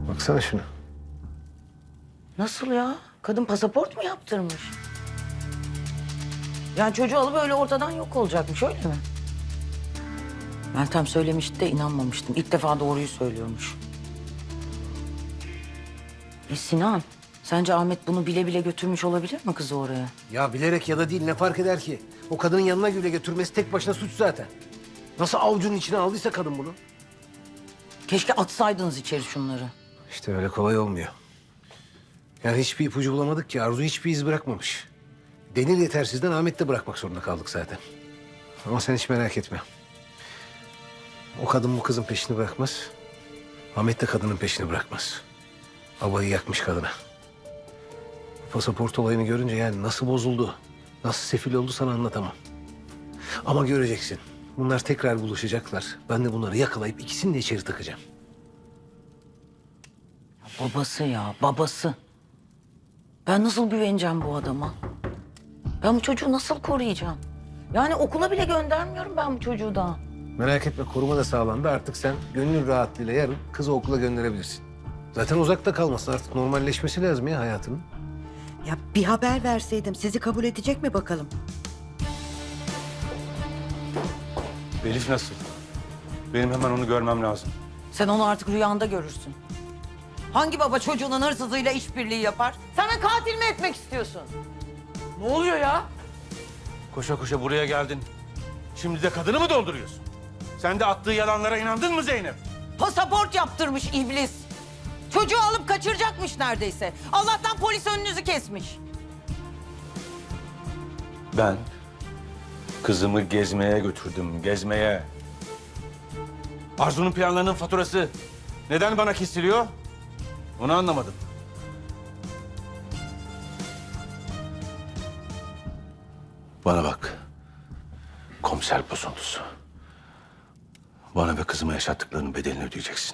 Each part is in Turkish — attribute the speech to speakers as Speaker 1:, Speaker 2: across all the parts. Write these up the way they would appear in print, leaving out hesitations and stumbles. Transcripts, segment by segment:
Speaker 1: Baksana şuna.
Speaker 2: Nasıl ya? Kadın pasaport mu yaptırmış? Yani çocuğu alıp öyle ortadan yok olacakmış, öyle mi? Meltem söylemişti de inanmamıştım. İlk defa doğruyu söylüyormuş. Sinan, sence Ahmet bunu bile bile götürmüş olabilir mi kızı oraya?
Speaker 1: Ya bilerek ya da değil ne fark eder ki? O kadının yanına bile götürmesi tek başına suç zaten. Nasıl avucunun içine aldıysa kadın bunu.
Speaker 2: Keşke atsaydınız içeri şunları.
Speaker 1: İşte öyle kolay olmuyor. Yani hiçbir ipucu bulamadık ki. Arzu hiçbir iz bırakmamış. Delil yetersizden Ahmet de bırakmak zorunda kaldık zaten. Ama sen hiç merak etme. O kadın bu kızın peşini bırakmaz. Ahmet de kadının peşini bırakmaz. Babayı yakmış kadına. Pasaport olayını görünce yani nasıl bozuldu, nasıl sefil oldu sana anlatamam. Ama göreceksin. Bunlar tekrar buluşacaklar. Ben de bunları yakalayıp ikisini de içeri tıkacağım.
Speaker 2: Babası ya, babası. Ben nasıl güveneceğim bu adama? Ben bu çocuğu nasıl koruyacağım? Yani okula bile göndermiyorum ben bu çocuğu daha.
Speaker 1: Merak etme, koruma da sağlandı. Artık sen gönül rahatlığıyla yarın kızı okula gönderebilirsin. Zaten uzakta kalmasın, artık normalleşmesi lazım ya hayatının.
Speaker 3: Ya bir haber verseydim sizi kabul edecek mi bakalım?
Speaker 4: Elif nasıl? Benim hemen onu görmem lazım.
Speaker 2: Sen onu artık rüyanda görürsün. Hangi baba çocuğunun hırsızıyla işbirliği yapar? Sen de katil mi etmek istiyorsun?
Speaker 5: Ne oluyor ya?
Speaker 4: Koşa koşa buraya geldin. Şimdi de kadını mı dolduruyorsun? Sen de attığı yalanlara inandın mı Zeynep?
Speaker 2: Pasaport yaptırmış iblis. Çocuğu alıp kaçıracakmış neredeyse. Allah'tan polis önünüzü kesmiş.
Speaker 4: Ben kızımı gezmeye götürdüm, gezmeye. Arzu'nun planlarının faturası neden bana kesiliyor? Onu anlamadım. Bana bak. Komiser bozuntusu. Bana ve kızıma yaşattıklarının bedelini ödeyeceksin.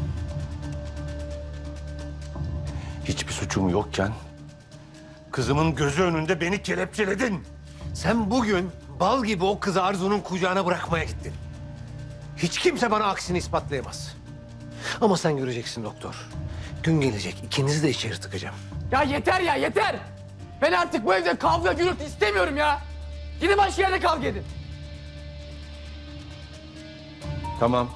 Speaker 4: Hiçbir suçum yokken kızımın gözü önünde beni kelepçeledin.
Speaker 1: Sen bugün bal gibi o kızı Arzu'nun kucağına bırakmaya gittin. Hiç kimse bana aksini ispatlayamaz. Ama sen göreceksin doktor. Gün gelecek, ikinizi de içeri tıkacağım.
Speaker 5: Ya yeter ya yeter. Ben artık bu evde kavga gürültü istemiyorum ya. Gidin başka yerde kavga edin.
Speaker 4: Tamam.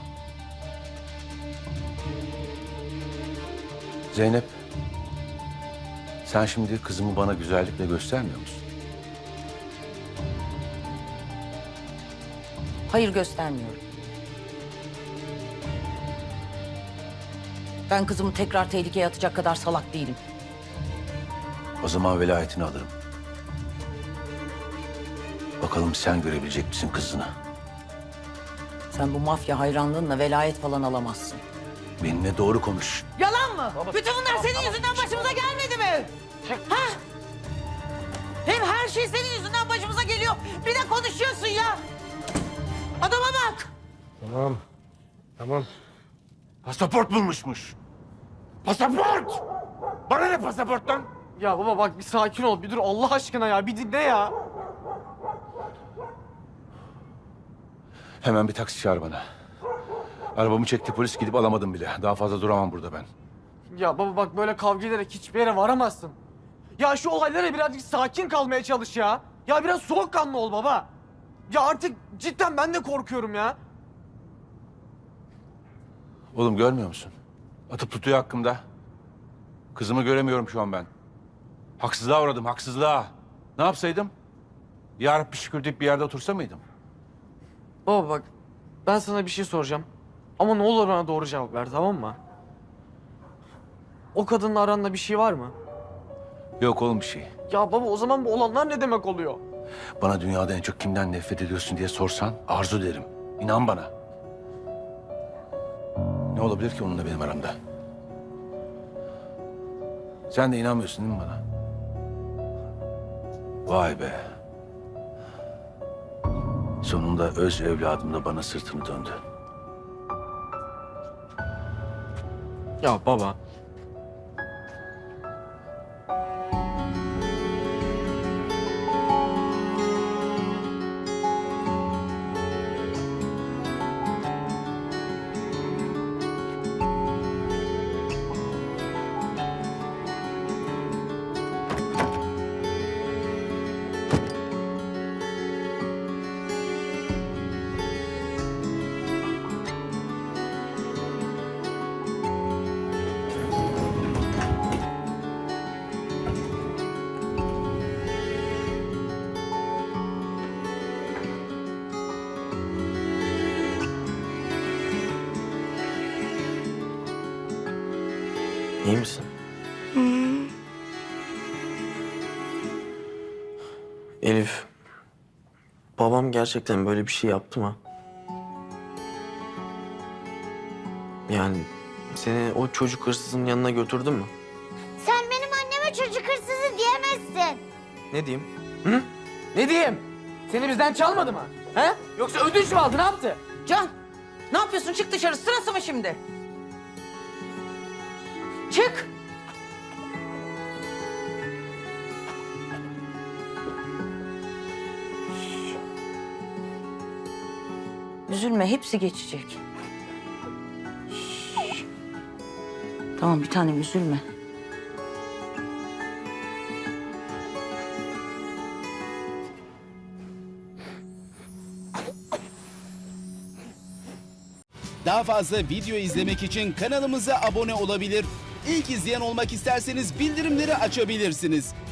Speaker 4: Zeynep, sen şimdi kızımı bana güzellikle göstermiyor musun?
Speaker 2: Hayır, göstermiyorum. Ben kızımı tekrar tehlikeye atacak kadar salak değilim.
Speaker 4: O zaman velayetini alırım. Bakalım sen görebilecek misin kızını?
Speaker 2: Sen bu mafya hayranlığınla velayet falan alamazsın.
Speaker 4: Benimle doğru konuş.
Speaker 2: Yalan mı? Bütün bunlar senin yüzünden başımıza gelmedi mi? Ha? Hem her şey senin yüzünden başımıza geliyor. Bir de konuşuyorsun ya. Adama bak.
Speaker 1: Tamam, tamam.
Speaker 4: Pasaport bulmuşmuş. Pasaport! Bana ne pasaporttan?
Speaker 5: Ya baba bak bir sakin ol. Bir dur Allah aşkına ya. Bir dinle ya.
Speaker 4: Hemen bir taksi çağır bana. Arabamı çekti polis, gidip alamadım bile. Daha fazla duramam burada ben.
Speaker 5: Ya baba bak böyle kavga ederek hiçbir yere varamazsın. Ya şu olaylara birazcık sakin kalmaya çalış ya. Ya biraz soğukkanlı ol baba. Ya artık cidden ben de korkuyorum ya.
Speaker 4: Oğlum görmüyor musun? Atıp tutuyor hakkımda. Kızımı göremiyorum şu an ben. Haksızlığa uğradım, haksızlığa. Ne yapsaydım? Ya Rabbi şükür deyip bir yerde otursa mıydım?
Speaker 5: Baba bak ben sana bir şey soracağım. Ama ne olur bana doğru cevap ver, tamam mı? O kadınla aranda bir şey var mı?
Speaker 4: Yok oğlum bir şey.
Speaker 5: Ya baba o zaman bu olanlar ne demek oluyor?
Speaker 4: Bana dünyada en çok kimden nefret ediyorsun diye sorsan Arzu derim. İnan bana. Ne olabilir ki onunla benim aramda? Sen de inanmıyorsun değil mi bana? Vay be. Sonunda öz evladım da bana sırtını döndü.
Speaker 5: Ya baba. İyi misin? Elif, babam gerçekten böyle bir şey yaptı mı? Yani seni o çocuk hırsızın yanına götürdü mü?
Speaker 6: Sen benim anneme çocuk hırsızı diyemezsin.
Speaker 5: Ne diyeyim? Hı? Ne diyeyim? Seni bizden çalmadı mı? He? Yoksa ödünç mü aldı? Ne yaptı?
Speaker 2: Can, ne yapıyorsun? Çık dışarı. Sırası mı şimdi? Çık. Üzülme, hepsi geçecek. Tamam, bir tanem üzülme.
Speaker 7: Daha fazla video izlemek için kanalımıza abone olabilir. İlk izleyen olmak isterseniz bildirimleri açabilirsiniz.